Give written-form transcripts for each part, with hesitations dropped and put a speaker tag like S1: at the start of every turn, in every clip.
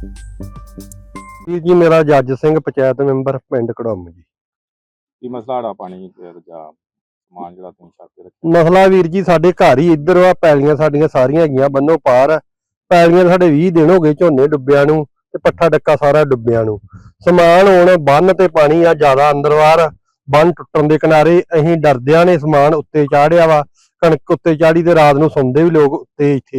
S1: ਜੀ ਮੇਰਾ ਜੱਜ ਸਿੰਘ ਪੰਚਾਇਤ ਮੈਂਬਰ ਪਿੰਡ ਕੜਮ ਜੀ।
S2: ਕੀ ਮਸਲਾ ਆ ਪਾਣੀ ਜਾਂ ਸਮਾਨ ਜਿਹੜਾ ਤੁਸੀਂ ਛੱਤ ਤੇ ਰੱਖਿਆ?
S1: ਮਸਲਾ ਵੀਰ ਜੀ ਸਾਡੇ ਘਰ ਹੀ ਇੱਧਰ ਆ, ਪੈਲੀਆਂ ਸਾਡੀਆਂ ਸਾਰੀਆਂ ਹੈਗੀਆਂ ਬੰਨੋ ਪਾਰ। ਪੈਲੀਆਂ ਸਾਡੇ 20 ਦਿਨ ਹੋ ਗਏ ਝੋਨੇ ਡੁੱਬਿਆਂ ਨੂੰ ਤੇ ਪੱਠਾ ਡੱਕਾ ਸਾਰਾ ਡੁੱਬਿਆਂ ਨੂੰ। ਸਮਾਨ ਹੁਣ ਬੰਨ ਤੇ ਪਾਣੀ ਆ ਜ਼ਿਆਦਾ ਅੰਦਰਵਾਰ, ਬੰਨ ਟੁੱਟਣ ਦੇ ਕਿਨਾਰੇ। ਅਸੀਂ ਡਰਦਿਆਂ ਨੇ ਸਮਾਨ ਉੱਤੇ ਚਾੜਿਆ ਵਾ, ਕਣਕ ਉੱਤੇ ਚਾੜੀ ਤੇ ਰਾਤ ਨੂੰ ਸੌਂਦੇ ਵੀ ਲੋਕ ਉੱਤੇ, ਇੱਥੇ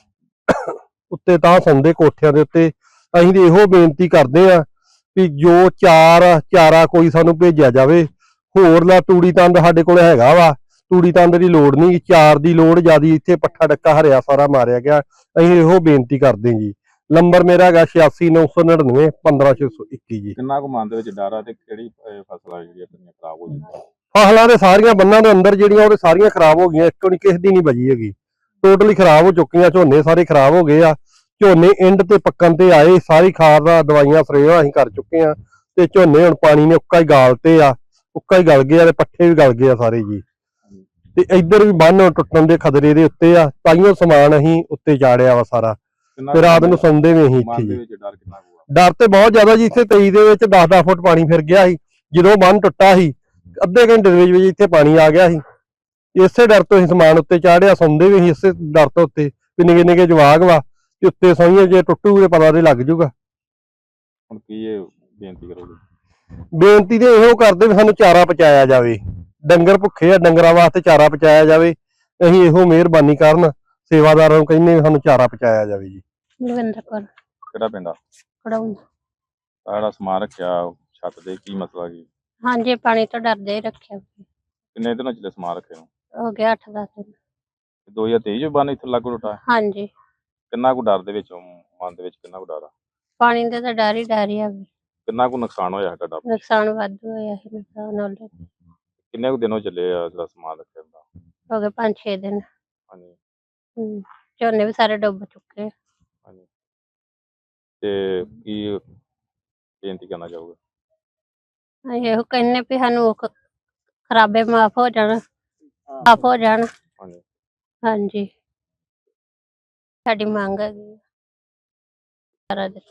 S1: ਉੱਤੇ ਤਾਂ ਸੌਂਦੇ ਕੋਠਿਆਂ ਦੇ ਉੱਤੇ। ਅਸੀਂ ਤੇ ਇਹੋ ਬੇਨਤੀ ਕਰਦੇ ਆ ਵੀ ਜੋ ਚਾਰਾ ਕੋਈ ਸਾਨੂੰ ਭੇਜਿਆ ਜਾਵੇ। ਹੋਰ ਲਾ ਤੂੜੀ ਤੰਦ ਸਾਡੇ ਕੋਲ ਹੈਗਾ ਵਾ, ਤੂੜੀ ਤੰਦ ਦੀ ਲੋੜ ਨਹੀਂ, ਚਾਰ ਦੀ ਲੋੜ ਜ਼ਿਆਦੀ। ਇੱਥੇ ਪੱਠਾ ਡੱਕਾ ਹਰਿਆ ਸਾਰਾ ਮਾਰਿਆ ਗਿਆ। ਅਸੀਂ ਇਹੋ ਬੇਨਤੀ ਕਰਦੇ ਜੀ। ਨੰਬਰ ਮੇਰਾ ਹੈਗਾ 8699 15621 ਜੀ।
S2: ਕਿੰਨਾ ਕੁ ਮਨ ਦੇ ਵਿੱਚ ਡਰ ਆ ਤੇ ਕਿਹੜੀ ਫਸਲਾਂ ਜਿਹੜੀਆਂ ਆਪਣੀਆਂ ਖਰਾਬ ਹੋ ਗਈਆਂ?
S1: ਫਸਲਾਂ ਦੇ ਸਾਰੀਆਂ ਬੰਨਾਂ ਦੇ ਅੰਦਰ ਜਿਹੜੀਆਂ ਉਹ ਸਾਰੀਆਂ ਖਰਾਬ ਹੋ ਗਈਆਂ, ਇੱਕ ਨਹੀਂ ਕਿਸੇ ਦੀ ਨਹੀਂ ਬਚੀ ਹੈਗੀ। ਟੋਟਲੀ ਖਰਾਬ ਹੋ ਚੁੱਕੀਆਂ, ਝੋਨੇ ਸਾਰੇ ਖਰਾਬ ਹੋ ਗਏ ਆ। ਝੋਨੇ ਇੰਡ ਤੇ ਪੱਕਣ ਤੇ ਆਏ, ਸਾਰੀ ਖਾਦ ਦਵਾਈਆਂ ਸਪਰੇਆਂ ਅਸੀਂ ਕਰ ਚੁੱਕੇ ਆ ਤੇ ਝੋਨੇ ਹੁਣ ਪਾਣੀ ਨੇ ਉੱਕਾ ਹੀ ਗਾਲਤੇ ਆ, ਉੱਕਾ ਹੀ ਗਲ ਗਏ ਆ ਤੇ ਪੱਠੇ ਵੀ ਗਲ ਗਏ ਆ ਸਾਰੇ ਜੀ। ਤੇ ਇੱਧਰ ਵੀ ਬੰਨ ਟੁੱਟਣ ਦੇ ਖਤਰੇ ਦੇ ਉੱਤੇ ਆ, ਤਾਈਓ ਸਮਾਨ ਅਸੀਂ ਉੱਤੇ ਚਾੜਿਆ ਵਾ ਸਾਰਾ। ਤੇ ਰਾਤ ਨੂੰ ਸੌਂਦੇ ਵੀ ਅਸੀਂ ਇੱਥੇ ਜੀ। ਡਰ ਤੇ ਬਹੁਤ ਜ਼ਿਆਦਾ ਜੀ। ਇੱਥੇ 23 ਦੇ ਵਿੱਚ 10-10 ਫੁੱਟ ਪਾਣੀ ਫਿਰ ਗਿਆ ਸੀ। ਜਦੋਂ ਬੰਨ ਟੁੱਟਾ ਸੀ ਅੱਧੇ ਘੰਟੇ ਦੇ ਵਿੱਚ ਇੱਥੇ ਪਾਣੀ ਆ ਗਿਆ ਸੀ। ਇਸੇ ਡਰ ਤੋਂ ਅਸੀਂ ਸਮਾਨ ਉੱਤੇ ਚਾੜਿਆ, ਸੌਂਦੇ ਵੀ ਅਸੀਂ ਇਸੇ ਡਰ ਤੋਂ ਉੱਤੇ ਵੀ ਨਿੱਕੇ ਨਿੱਕੇ ਜਵਾਕ ਵਾ ਤੇ ਉੱਤੇ ਸੌਈਏ, ਜੇ ਟੁੱਟੂ ਤੇ ਪਤਾ ਤੇ ਲੱਗ ਜੂਗਾ।
S2: ਹੁਣ ਕੀ ਇਹ ਬੇਨਤੀ ਕਰੋਗੇ?
S1: ਬੇਨਤੀ ਤੇ ਇਹੋ ਕਰਦੇ ਵੀ ਸਾਨੂੰ ਚਾਰਾ ਪਹੁੰਚਾਇਆ ਜਾਵੇ। ਡੰਗਰ ਭੁੱਖੇ ਆ, ਡੰਗਰਾਂ ਵਾਸਤੇ ਚਾਰਾ ਪਹੁੰਚਾਇਆ ਜਾਵੇ। ਅਸੀਂ ਇਹੋ ਮਿਹਰਬਾਨੀ ਕਰਨ ਸੇਵਾਦਾਰਾਂ ਨੂੰ ਕਹਿੰਦੇ ਵੀ ਸਾਨੂੰ ਚਾਰਾ ਪਹੁੰਚਾਇਆ ਜਾਵੇ ਜੀ।
S3: ਲਵਿੰਦਰ ਕੌਰ,
S2: ਕਿਹੜਾ ਪਿੰਡ ਆ?
S3: ਕੜਾਉਂ।
S2: ਜਿਹੜਾ ਸਮਾਨ ਰੱਖਿਆ ਛੱਤ ਤੇ, ਕੀ ਮਸਲਾ ਕੀ?
S3: ਹਾਂਜੀ, ਪਾਣੀ ਤੋਂ ਡਰਦੇ ਹੀ ਰੱਖਿਆ।
S2: ਕਿੰਨੇ ਦਿਨਾਂ ਚ ਸਮਾਨ ਰੱਖੇ ਨੂੰ?
S3: ਹੋ ਗਿਆ 8-10 ਦਿਨ।
S2: 2023 ਚ ਬੰਨ ਇੱਥੇ ਲਾਗੂ ਟੁੱਟਾ?
S3: ਹਾਂਜੀ,
S2: ਕਿੰਨਾ ਕੁ ਡਰ ਦੇ ਵਿੱਚ, ਮਨ ਦੇ ਵਿੱਚ ਕਿੰਨਾ ਕੁ ਡਰ ਆ?
S3: ਪਾਣੀ ਦੇ ਤਾਂ ਡਰ ਹੀ ਆ।
S2: ਕਿੰਨਾ ਕੁ ਨੁਕਸਾਨ ਹੋਇਆ ਤੁਹਾਡਾ?
S3: ਨੁਕਸਾਨ ਵਾਧੂ ਹੋਇਆ ਸੀ। ਨੁਕਸਾਨ ਨਾਲ
S2: ਕਿੰਨੇ ਕੁ ਦਿਨੋਂ ਚੱਲੇ ਆ ਜਿਹੜਾ ਸਮਾਨ ਰੱਖਿਆ ਹੁੰਦਾ?
S3: ਹੋ ਗਏ 5-6 ਦਿਨ।
S2: ਹਾਂਜੀ।
S3: ਝੋਨੇ ਵੀ ਸਾਰੇ ਡੁੱਬ ਚੁੱਕੇ।
S2: ਹਾਂਜੀ, ਤੇ ਕੀ ਬੇਨਤੀ ਕਰਨਾ ਚਾਹੋਗੇ?
S3: ਅਸੀਂ ਇਹੋ ਕਹਿੰਦੇ ਵੀ ਸਾਨੂੰ ਖਰਾਬੇ ਮਾਫ ਹੋ ਜਾਣ, ਮਾਫ ਹੋ ਜਾਣ।
S2: ਹਾਂਜੀ,
S3: ਹਾਂਜੀ, ਸਾਡੀ ਮੰਗ ਹੈਗੀ ਸਾਰਾ ਦਿੱਤਾ।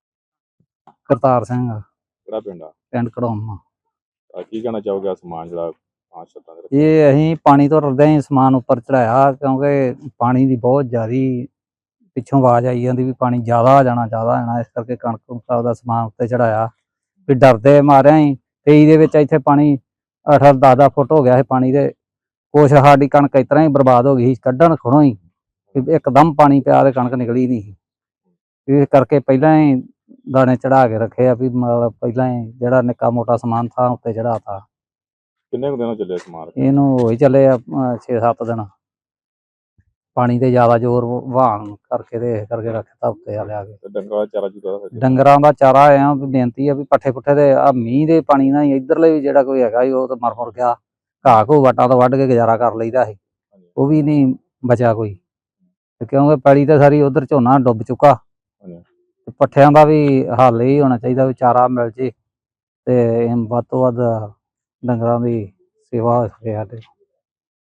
S4: ਕਰਤਾਰ ਸਿੰਘ,
S2: ਕਿਹੜਾ ਪਿੰਡ ਆ?
S4: ਪਿੰਡ ਕੜੋਮ।
S2: ਕੀ ਕਹਿਣਾ ਚਾਹੋਗੇ? ਸਮਾਨ ਜਿਹੜਾ ਛੱਤਾਂ ਤੇ ਰੱਖਿਆ?
S4: ਇਹ ਅਸੀਂ ਪਾਣੀ ਤੋਂ ਡਰਦੇ ਹੀ ਸਮਾਨ ਉੱਪਰ ਚੜਾਇਆ, ਕਿਉਂਕਿ ਪਾਣੀ ਦੀ ਬਹੁਤ ਜ਼ਿਆਦੀ ਪਿੱਛੋਂ ਆਵਾਜ਼ ਆਈ ਜਾਂਦੀ ਵੀ ਪਾਣੀ ਜ਼ਿਆਦਾ ਆ ਜਾਣਾ, ਇਸ ਕਰਕੇ ਕਣਕ ਦਾ ਸਮਾਨ ਉੱਤੇ ਚੜਾਇਆ ਵੀ ਡਰਦੇ ਮਾਰਿਆ ਹੀ। 23 ਦੇ ਵਿੱਚ ਇੱਥੇ ਪਾਣੀ 8-10 ਫੁੱਟ ਹੋ ਗਿਆ ਸੀ ਪਾਣੀ ਦੇ। ਕੁਛ ਸਾਡੀ ਕਣਕ ਇਸ ਤਰ੍ਹਾਂ ਹੀ ਬਰਬਾਦ ਹੋ ਗਈ ਸੀ, ਕੱਢਣ ਖੜੋਂ ਹੀ ਇੱਕਦਮ ਪਾਣੀ ਪਿਆ ਤੇ ਕਣਕ ਨਿਕਲੀ ਨਹੀਂ ਸੀ। ਇਸ ਕਰਕੇ ਪਹਿਲਾਂ ਹੀ ਦਾਣੇ ਚੜਾ ਕੇ ਰੱਖੇ ਆ ਵੀ ਮਤਲਬ ਪਹਿਲਾਂ ਹੀ ਜਿਹੜਾ ਨਿੱਕਾ ਮੋਟਾ ਸਮਾਨ ਥਾਂ ਉੱਤੇ ਚੜਾਤਾ।
S2: ਕਿੰਨੇ ਕੁ ਦਿਨੋਂ ਚੱਲੇ ਸਮਾਨ?
S4: ਇਹਨੂੰ ਹੋ ਹੀ ਚੱਲੇ ਆ 6-7 ਦਿਨ। ਪਾਣੀ ਤੇ ਜ਼ਿਆਦਾ ਜ਼ੋਰ ਵਹਾਣ ਕਰਕੇ ਤੇ ਕਰਕੇ ਰੱਖਤਾ ਉੱਤੇ ਆ ਲਿਆ ਕੇ।
S2: ਡੰਗਰਾਂ ਦਾ ਚਾਰਾ ਚੂਰਾ?
S4: ਡੰਗਰਾਂ ਦਾ ਚਾਰਾ ਆ ਬੇਨਤੀ ਆ ਵੀ ਪੱਠੇ ਪੁੱਠੇ ਤੇ ਆ ਮੀਂਹ ਦੇ ਪਾਣੀ ਨਾਲ ਹੀ ਇੱਧਰਲੇ ਵੀ ਜਿਹੜਾ ਕੋਈ ਹੈਗਾ ਉਹ ਤਾਂ ਮਰ ਗਿਆ। ਘਾਹ ਘੂ ਵਟਾਂ ਤੋਂ ਵੱਢ ਕੇ ਗੁਜ਼ਾਰਾ ਕਰ ਲਈਦਾ ਸੀ, ਉਹ ਵੀ ਨਹੀਂ ਬਚਿਆ ਕੋਈ। ਤੇ ਕਿਉਂਕਿ ਪੈਲੀ ਤੇ ਸਾਰੀ ਉਧਰ ਝੋਨਾ ਡੁੱਬ ਚੁੱਕਾ। ਤੇ ਪੱਠਿਆਂ ਦਾ ਵੀ ਹੱਲ ਹੀ ਹੋਣਾ ਚਾਹੀਦਾ ਵੀ ਚਾਰਾ ਮਿਲ ਜੇ ਤੇ ਵੱਧ ਤੋਂ ਵੱਧ ਡੰਗਰਾਂ ਦੀ ਸੇਵਾ ਹੋ ਸਕੇ ਸਾਡੇ।